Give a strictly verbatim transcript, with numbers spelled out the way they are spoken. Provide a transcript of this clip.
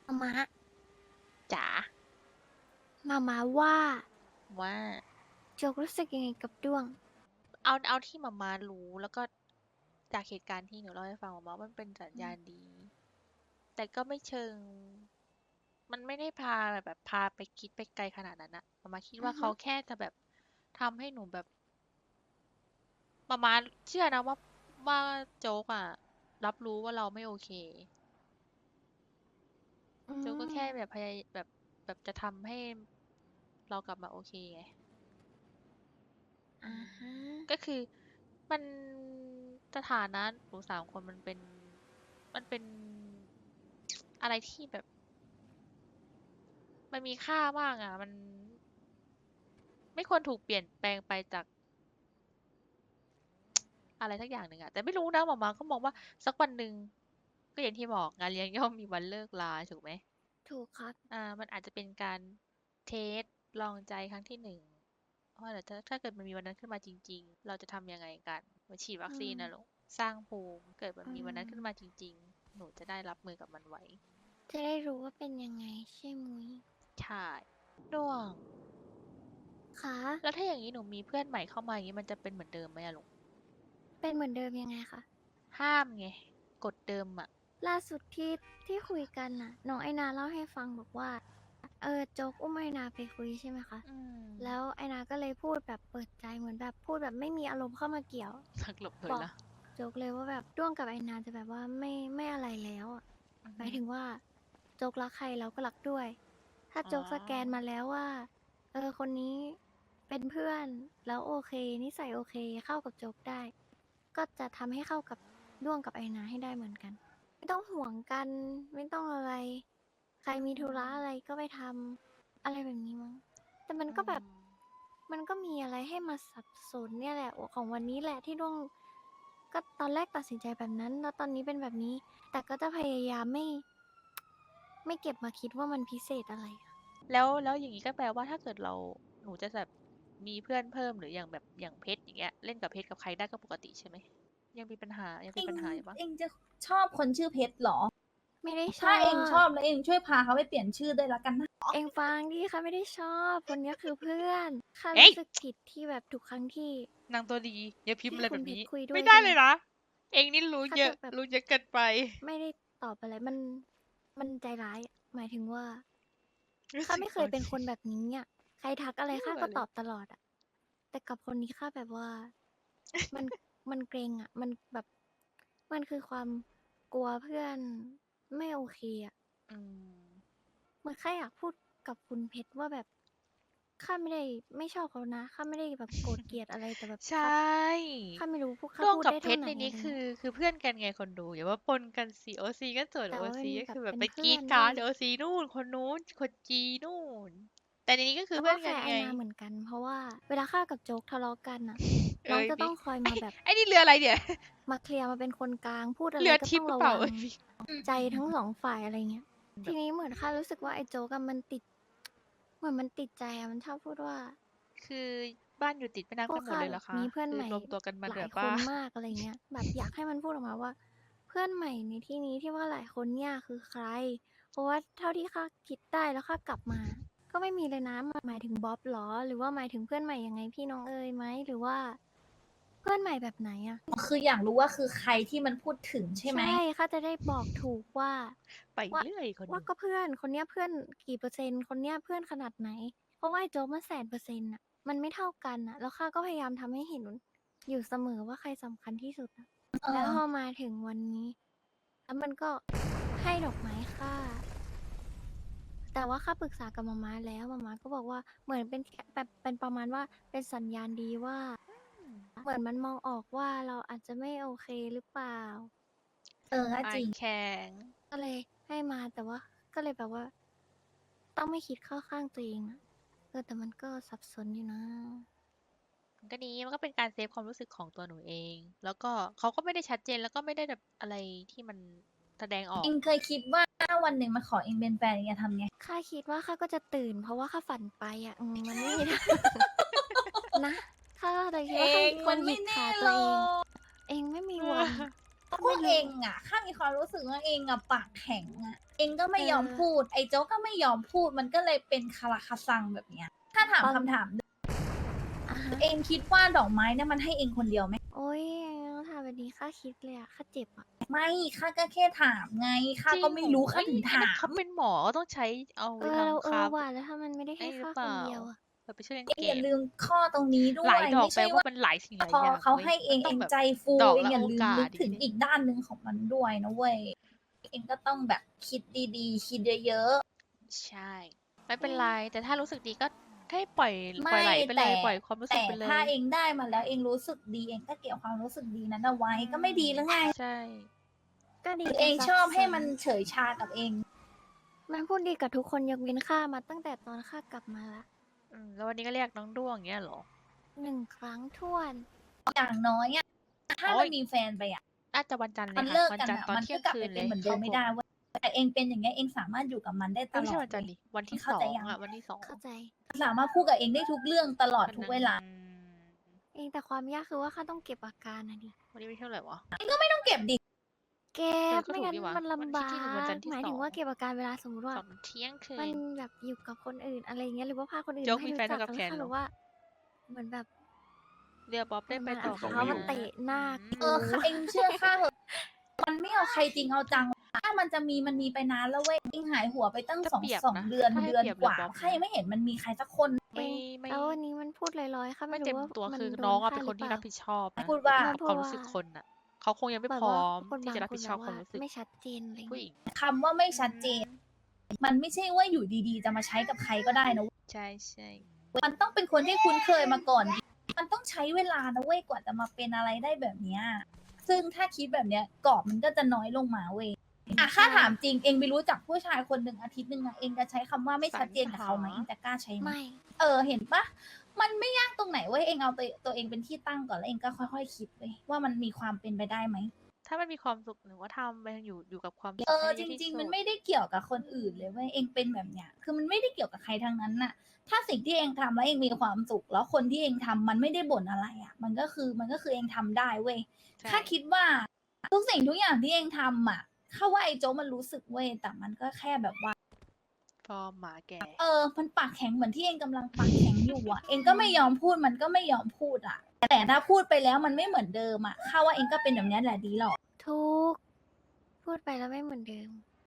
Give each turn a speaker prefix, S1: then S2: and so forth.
S1: มามา
S2: จ๋า
S1: มามาว่า
S2: ว่า
S1: โจกรู้สึกยังไงกับด้วง
S2: เอาเอาที่มามารู้แล้วก็จากเหตุการณ์ที่หนูเล่าให้ฟังมามามันเป็นสัญ
S1: อืม
S2: ญาณดีแต่ก็ไม่เชิงมันไม่ได้พาแบบพาไปคิดไปไกลขนาดนั้นอะมามาคิด
S1: อือฮึ
S2: ว่าเขาแค่จะแบบทำให้หนูแบบมามาเชื่อนะว่าว่าโจ๊กอะรับรู้ว่าเราไม่โอเค
S1: อื
S2: โจ๊กก็
S1: ม
S2: แค่แบบพยายแบบแบบจะทำให้เรากลับมาโอเคไงอื
S1: อ่า
S2: ม
S1: ฮะ
S2: ก็คือมันสถานะหนูสามคนมันเป็นมันเป็น อะไรที่แบบมันมีค่ามากอ่ะมันไม่ควรถูกเปลี่ยนแปลงไปจากอะไรสักอย่างหนึ่งอ่ะแต่ไม่รู้นะหมอมาก็มองว่าสักวันหนึ่งก็อย่างที่บอกงานเลี้ยงย่อมมีวันเลิกลาถูกไหม
S1: ถูกครับ
S2: อ่ามันอาจจะเป็นการเทสลองใจครั้งที่หนึ่งว่าเดี๋ยวถ้าถ้าเกิดมันมีวันนั้นขึ้นมาจริงๆเราจะทำยังไงกันเหมาฉีดวัค
S1: อืม
S2: ซีนนะลูกสร้างภูมิเกิดมัน
S1: อื
S2: มีวันนั้นขึ้นมา
S1: ม
S2: จริงๆหนูจะได้รับมือกับมันไว้
S1: จะได้รู้ว่าเป็นยังไงใช่มุ้ย
S2: ใช่ด้วง
S1: คะ
S2: แล้วถ้าอย่างนี้หนูมีเพื่อนใหม่เข้ามาอย่างนี้มันจะเป็นเหมือนเดิมไหมอะลูก
S1: เป็นเหมือนเดิมยังไงคะ
S2: ห้ามไงกฎเดิมอ่ะ
S1: ล่าสุดที่ที่คุยกันน่ะน้องไอนาเล่าให้ฟังบอกว่าเออโจกอุ้มไอนาไปคุยใช่ไหมคะ
S2: อืม
S1: แล้วไอนาก็เลยพูดแบบเปิดใจเหมือนแบบพูดแบบไม่มีอารมณ์เข้ามาเกี่ยว
S2: สักหลบเล
S1: บอก
S2: ยละ
S1: โจกเลยว่าแบบด้วงกับไอนาจะแบบว่าไม่ไม่อะไรแล้วอะ
S2: อือฮึ
S1: หมายถึงว่าโจ๊กรักใครเราก็รักด้วย ถ้า
S2: อ๋อ
S1: โจ๊กสแกนมาแล้วว่าเออคนนี้เป็นเพื่อนแล้วโอเคนิสัยโอเคเข้ากับโจ๊กได้ก็จะทำให้เข้ากับด้วงกับไอนาให้ได้เหมือนกันไม่ต้องห่วงกันไม่ต้องอะไรใคร
S2: อื
S1: มีธุระอะไร
S2: ม
S1: ก็ไปทำอะไรแบบนี้มั้งแต่มัน
S2: อื
S1: ก็แบบ
S2: ม
S1: มันก็มีอะไรให้มาสับสนเนี่ยแหละของวันนี้แหละที่ด้วงก็ตอนแรกตัดสินใจแบบนั้นแล้วตอนนี้เป็นแบบนี้ แต่ก็จะพยายามไม่ไม่เก็บมาคิดว่ามันพิเศษอะไรอะ
S2: แล้วแล้วอย่างนี้ก็แปลว่าถ้าเกิดเราหนูจะแบบมีเพื่อนเพิ่มหรืออย่างแบบอย่างเพชรอย่างเงี้ยเล่นกับเพชรกับใครได้ก็ปกติใช่ไหมยังมีปัญหายัง
S3: เอง
S2: เป็นปัญหาอยู่ปะ
S3: เองจะชอบคนชื่อเพชรเหรอ
S1: ไม่ได้ชอ
S3: ถ้าเองช
S1: บ
S3: อบแล้วเองช่วยพาเขาไปเปลี่ยนชื่อด้วยละกันนะ
S1: เองฟังดิค่ะไม่ได้ชอบคนนี้คือเพื่อนค่ะ
S2: เอ้ย
S1: รู้สึกผิดที่แบบทุกครั้งที่
S2: นางตัวดีอย่าพิมพ์
S1: ที่
S2: อะไรแบบนี้
S1: คุณเพชรคุยด้ว
S2: ไม่
S1: ยใช่ไหม
S2: ได้เลยนะเองนี่รู้เยอะ
S1: ค่ะจะแบบ
S2: รู้เยอะเกินไป
S1: ไม่ได้ตอบอะไรมันมันใจร้ายอะหมายถึงว่า
S2: รู้
S1: ข้าไม่เค
S2: สึกอ่อน
S1: ยเป็นคนแบบนี้อ่ะใครทักอะไรข้า
S2: ยั่วเลย
S1: ก็ตอบตลอดอ่ะแต่กับคนนี้ข้าแบบว่ามันมันเกรงอ่ะมันแบบมันคือความกลัวเพื่อนไม่โอเคอ่ะ
S2: อืม
S1: เหมือนข้าอยากพูดกับคุณเพชรว่าแบบข้าไม่ได้ไม่ชอบเขานะข้าไม่ได้แบบโกรธเกลียดอะไรแต่แบบ
S2: ใช
S1: ข้า
S2: ่
S1: ข้าไม่รู้พูดข้า
S2: ด้วง
S1: พูด
S2: กับเพชร
S1: ได้เท่าไหน
S2: ในนี้คือ
S1: อะไรเงี้ย
S2: คือเพื่อนกันไงคนดูอย่าว่าปนกันสิโอซีก็ส่วน
S1: แต่
S2: โอ
S1: ว่าเป็น
S2: ซีก็
S1: แบบ
S2: คือแบบ
S1: เป็นเพื่
S2: ไปกรีด
S1: อนด้วย
S2: กราร์ดโอซีนู่นคนนู้นคนจีนู่นแต่ในนี้ก็คือ
S1: แล้ว
S2: เพื่อนกันไง
S1: ก็แคร์ไอนาเหมือนกันเพราะว่าเวลาข้ากับโจ๊กทะเลาะกันน่ะน้อง
S2: เอ้ยบิ๊ก
S1: จะต้องคอย
S2: ไอ้
S1: มาแบบ
S2: ไอ้นี่เรืออะไรเนี่ย
S1: มาเคลียร์มาเป็นคนกลางพูด
S2: เรือ
S1: อะไรก็
S2: ทิพย์หรือเปล่า
S1: ต้องระวัง
S2: เอ้ยบิ๊ก
S1: ใจทั้งสองฝ่ายอะไรเงี้ย
S2: แบบ
S1: ทีนี้เหมือนข้ารู้สึกว่าไอ้โจ๊กอะมันติดเหมือนมันติดใจอะมันชอบพูดว่า
S2: คือบ้านอยู่ติดแม่น้ำกันหมด
S1: พวกข้า
S2: เลยเหรอคะ
S1: แบบมีเพื่อน
S2: คือ
S1: ใหม่
S2: รวมตัวกันมา
S1: หลายค
S2: เหลือบ้า
S1: นมากอะไรเงี้ยแบบอยากให้มันพูดออกมาว่าเพื่อนใหม่ในที่นี้ที่ว่าหลายคนเนี่ยคือใครเพราะว่าเท่าที่ข้าคิดได้แล้วข้ากลับมาก็ไม่มีเลยนะหมายถึงบ๊อบหรอหรือว่าหมายถึงเพื่อนใหม่ยังไงพี่น้องเอ๋ยไหมหรือว่าเพื่อนใหม่แบบไหนอะ
S3: คืออยากรู้ว่าคือใครที่มันพูดถึงใช่ไหม
S1: ใช่ข้าจะได้บอกถูกว่า
S2: ไป
S1: ว่า
S2: เรื่อยคน
S1: ว่า
S2: ดู
S1: ก็เพื่อนคนเนี้ยเพื่อนกี่เปอร์เซ็นต์คนเนี้ยเพื่อนขนาดไหนเพราะว่าไอ้โจ๊กมันแสนเปอร์เซ็นต์อะมันไม่เท่ากันอะแล้วข้าก็พยายามทำให้เห็นอยู่เสมอว่าใครสำคัญที่สุดอะ
S3: เอ
S1: แล้ว
S3: อ
S1: พอมาถึงวันนี้แล้วมันก็ให้ดอกไม้ค่าแต่ว่าค่าปรึกษากับมาม่าแล้วมาม่าก็บอกว่าเหมือนเป็นแค่แบบเป็นประมาณว่าเป็นสัญญาณดีว่าเหมือนมันมองออกว่าเราอาจจะไม่โอเคหรือเปล่า
S3: เออก็
S2: ไอ
S3: จริง
S2: แข็ง
S1: ก็เลยให้มาแต่ว่าก็เลยแบบว่าต้องไม่คิดเข้าข้างตัวเองอะเออแต่มันก็สับสนอยู่นะ
S2: มันก็ดีมันก็เป็นการเซฟความรู้สึกของตัวหนูเองแล้วก็เขาก็ไม่ได้ชัดเจนแล้วก็ไม่ได้แบบอะไรที่มันแสดงออก
S3: เองเคยคิดว่าถ้าวันหนึ่งมาขอเองเป็นแฟนเองจะทำไง
S1: ข้าคิดว่าข้าก็จะตื่นเพราะว่าข้าฝันไปอ่ะอืมมันไม่มีทางนะข้าเลยคิด
S3: เอ
S1: ว่าข้า
S3: ง
S1: ควรหยิก
S3: มันไม่แน่
S1: ขาตั
S3: หรอ
S1: วเอง
S3: ก
S1: เองไม่มีวันอะ
S3: เพราะพ
S1: ไม่รู้
S3: วกเองอ่ะข้ามีความรู้สึกว่าเองอ่ะปากแข็งอ่ะเองก็ไม่ยอม
S1: เออ
S3: พูด ไอ้โจ๊กก็ไม่ยอมพูด มันก็เลยเป็นคาราคาซังแบบเนี้ย ถ้าถาม
S1: ตอน
S3: คำถามหนึ่ง
S1: อ่ะฮะ
S3: เองคิดว่าดอกไม้เนี่ยมันให้เองคนเดียวไหม
S1: โอ๊ยถามแบบนี้ข้าคิดเลยอะข้าเจ็บอะ
S3: ไม่ข้าก็แค่ถามไงข้า
S2: จริง
S3: ก็ไม่รู้
S2: โอ้
S3: ข้า
S2: เอ้ย
S3: ถึง
S2: อัน
S3: ถา
S2: นั้นเขา
S3: ม
S2: เป็นหมอก็ต้องใช้เอา
S1: เอ
S2: ไป
S1: อ
S2: ท
S1: เรา
S2: ำ
S1: เอ
S2: ครา
S1: อ
S2: ฟต์
S1: ว่ะ แล้วถ้ามันไม่ได้
S2: ไอ้
S1: ให้
S2: หรื
S1: ข้า
S2: อเป
S1: ค
S2: ล่า
S1: นเดียวอะ
S2: เราไปช่วยกัน
S3: เองอ
S2: แกะ
S3: ย่าลืมข้อตรงนี้ด้
S2: หลา
S3: วย ย
S2: ดอ
S3: ไม่
S2: ก
S3: ใช
S2: แปล่ ว่า
S3: ว่า
S2: มันหลายสิ่งหลาย
S3: พอ
S2: อย่าง
S3: เขา
S2: เว้ย
S3: ให้เอ
S2: มัน
S3: ง
S2: ต้
S3: เอ
S2: อง
S3: ง
S2: แบบ
S3: ใจฟู
S2: ดอก
S3: เอง
S2: ละ
S3: อย่า
S2: โอ
S3: ลืม
S2: กา
S3: นึ
S2: ส
S3: ก
S2: อย่า
S3: ถึ
S2: ง
S3: ง
S2: งี้
S3: อีกด้านหนึ่งของมันด้วยนะเว้ย เองก็ต้องแบบคิดดี ๆ คิดเยอะ ๆ
S2: ใช่ ไม่เป็นไร แต่ถ้ารู้สึกดีก็ให้ปล่อย
S3: ไม
S2: ปล่อยไหลไปเล
S3: แต่
S2: ย ปล่อยความรู้
S3: แต
S2: สึก่ไปเล
S3: ถ้าย เองได้มาแล้วเองรู้สึกดี เองก็เก็บความรู้สึกดีนั้นเอาไว้
S2: อื
S3: ก็ไม่ดีหรือไง
S2: ม ใช่
S1: ก็ดี
S3: หรือ
S1: กั
S3: เอน ง
S1: สัก
S3: ชอบให้
S1: ส่วน
S3: มันเฉยชากับเอง
S1: มันพูดดีกับทุกคนยกเว้นข้ามาตั้งแต่ตอนข้ากลับมาแล้ว
S2: อืม แล้ววันนี้ก็เรียกน้องด้วง อย่างเงี้ยเหรอ?
S1: หนึ่ง ครั้งถ้วน
S3: อย่างน้อยอะ ถ้า
S2: โอ๊
S3: มัน
S2: ย
S3: มีแฟนไปอะ
S2: น่าจะวันจันทร์เล
S3: มั
S2: ย
S3: น
S2: ค่ะ
S3: เลิก
S2: วัน
S3: กัน
S2: จันท
S3: อ
S2: ร์
S3: ะ
S2: ตอน
S3: มัน
S2: เที่
S3: ก็
S2: ยง
S3: กลับ
S2: คื
S3: ไป
S2: น
S3: เป
S2: เล็
S3: น
S2: ย
S3: เหมือนเดิ
S2: เข้าม
S3: ไม่
S2: ห
S3: ได้
S2: ก
S3: เว้ย แต่เองเป็นอย่างเงี้ย เองสามารถอยู่กับมันได้
S2: เอ้
S3: ต
S2: ย ไม่
S3: ล
S2: ใช่
S3: อด
S2: วันจันทร์
S3: เว้ย
S2: ดิ วันที่
S1: เข้า
S2: สอ
S1: ใจ
S2: ง อะ วันที่ สอง
S1: เข้าใจ
S3: สามารถพูดกับเองได้ทุกเรื่องตลอด
S2: วัน
S3: ทุก
S2: นั้น
S3: เวลา
S1: เอง แต่ความยากคือว่าข้าต้องเก็บอาการน่ะดิ
S2: วันนี้วันที่เท่าไรวะ?
S3: เองก็ไม่ต้องเก็บดิ
S1: เก็
S2: เออ
S1: บ
S2: ก็
S1: ไม่
S2: ถูก
S1: งั้น
S2: นี่หว่า
S1: มัน
S2: วัน
S1: ลำบ
S2: ที่
S1: า
S2: ที่ หนึ่ง วันจันทร์ที่
S1: หมาย
S2: ส
S1: ถึ
S2: อง ง
S1: ว่าเก็บอาการเวลาสมมุติว่า
S2: ตอนเที่ยงคื
S1: มัน
S2: น
S1: แบบอยู่กับคนอื่น อะไรอย่างเงี้ย หรือว่าพาคนอื่น
S2: โจ๊ก
S1: มาให้
S2: มี
S1: รู
S2: แฟน
S1: ้จั
S2: เท่าก กับ
S1: แล้ว
S2: แคน
S1: ข้า
S2: เหร
S1: รู้
S2: อ?
S1: ว่า เหมือนแบบ
S2: เดี๋ยวบ๊อบ
S1: เห
S2: ได้
S1: มือน
S2: ไป
S1: มัน
S2: ต่
S1: เอา
S2: อ
S1: เท้ามา
S2: นะ
S1: เตะหน้า
S2: อื
S3: เออ
S1: กู
S3: ค่ะ เองเชื่อข้าเหอะ มันไม่เอาใครจริงเอาจัง ถ้ามันจะมี มันมีไปนานแล้วเว้ย เองหายหัวไปตั้ง
S2: ถ้า
S3: สอง
S2: เปรียบ
S3: สอง
S2: นะ
S3: เดือน
S2: ถ้าให้
S3: เดือน
S2: เปรียบ
S3: ก
S2: เลย
S3: ว่า
S2: บ๊อบ
S3: ข้า
S2: นะ
S3: ยังไม่เห็นมันมีใครสักคน
S2: ไม่ ไม่
S1: แล้ววันนี้มันพูดลอย ๆ ข้า
S2: ไม่
S1: ไม่
S2: เต็
S1: รู้
S2: ม
S1: ว่า
S2: ตัว
S1: มัน
S2: คือ
S1: โด
S2: น้อง
S1: น
S2: อะ
S1: ข้า
S2: เป็น
S1: ห
S2: ค
S1: รื
S2: น
S1: อเป
S2: ที่
S1: ล่า
S2: รับผิดชอบนะ
S3: พูดว่า
S2: กับ
S1: พู
S2: ควา
S1: ด
S2: ม
S1: ว่
S2: รู้
S1: า
S2: สึกคนน่ะ เขาคงยังไม่
S1: แบบ
S2: พร้
S1: ว่า
S2: อม
S1: คน
S2: ที่
S1: บาง
S2: จะรับ
S1: ค
S2: ผิ
S1: น
S2: ดช
S1: แบ
S2: อบบ ค
S1: ว่า
S2: วามรู้สึก
S1: ไม่ชัดเจน อะไรอย่าง
S2: ผู้
S1: เงี้
S2: ห
S1: ย
S2: ญิง
S3: คำว่าไม่ชัดเจน มันไม่ใช่ว่าอยู่ดี ๆ จะมาใช้กับใครก็ได้นะ
S2: ใช่ ๆ
S3: มันต้องเป็นคนที่คุ้นเคยมาก่อน มันต้องใช้เวลานะเว้ย กว่าจะมาเป็นอะไรได้แบบเนี้ย ซึ่งถ้าคิดแบบเนี้ย กรอบมันก็จะน้อยลงมาเว้ย อะ ข้าถามจริง เองไปรู้จักผู้ชายคนหนึ่งอาทิตย์หนึ่งอะ เองจะใช้คำว่าไม่ชัดเจนกับเขาไหม
S2: สรรหา
S3: เองจะกล้าใช้ไหม?
S1: ไม่
S3: เออ เห็นเปล่า มันไม่ยากตรงไหนเว้ย เองเอาตัว ตัวเองเป็นที่ตั้งก่อน แล้วเองก็ค่อย ๆ คิดเว้ยว่ามันมีความเป็นไปได้ไหม?
S2: ถ้ามันมีความสุข หนูก็ทำไป อยู่ อยู่กับความสุ
S3: เอ
S2: ขให้
S3: จ
S2: ดีที่
S3: ริง
S2: สุ
S3: ๆ มัน
S2: ด
S3: ไม่ได้เกี่ยวกับคนอื่นเลยเว้ย เองเป็นแบบเนี้ย คือมันไม่ได้เกี่ยวกับใครทั้งนั้นน่ะ ถ้าสิ่งที่เองทำแล้วเองมีความสุข แล้วคนที่เองทำมันไม่ได้บ่นอะไรอะ มันก็คือ มันก็คือเองทำได้เว้ย
S2: ใช่
S3: ข้าคิดว่า ทุกสิ่งทุกอย่างที่เองทำอะ ข้าว่าไอ้โจ๊กมันรู้สึกเว้ย แต่มันก็แค่แบบว่า
S2: ฟอร์มหมาแก่
S3: เออ มันปากแข็งเหมือนที่เองกำลังปากแข็งอยู่อะ เองก็ไม่ยอมพูด มันก็ไม่ยอมพูดอะ แต่ถ้าพูดไปแล้วมันไม่เหมือนเดิมอะ ข้าว่าเองก็เป็นแบบเนี้ยแหละดีแล้ว
S1: ถูก พูดไปแล้วไม่เหมือนเดิม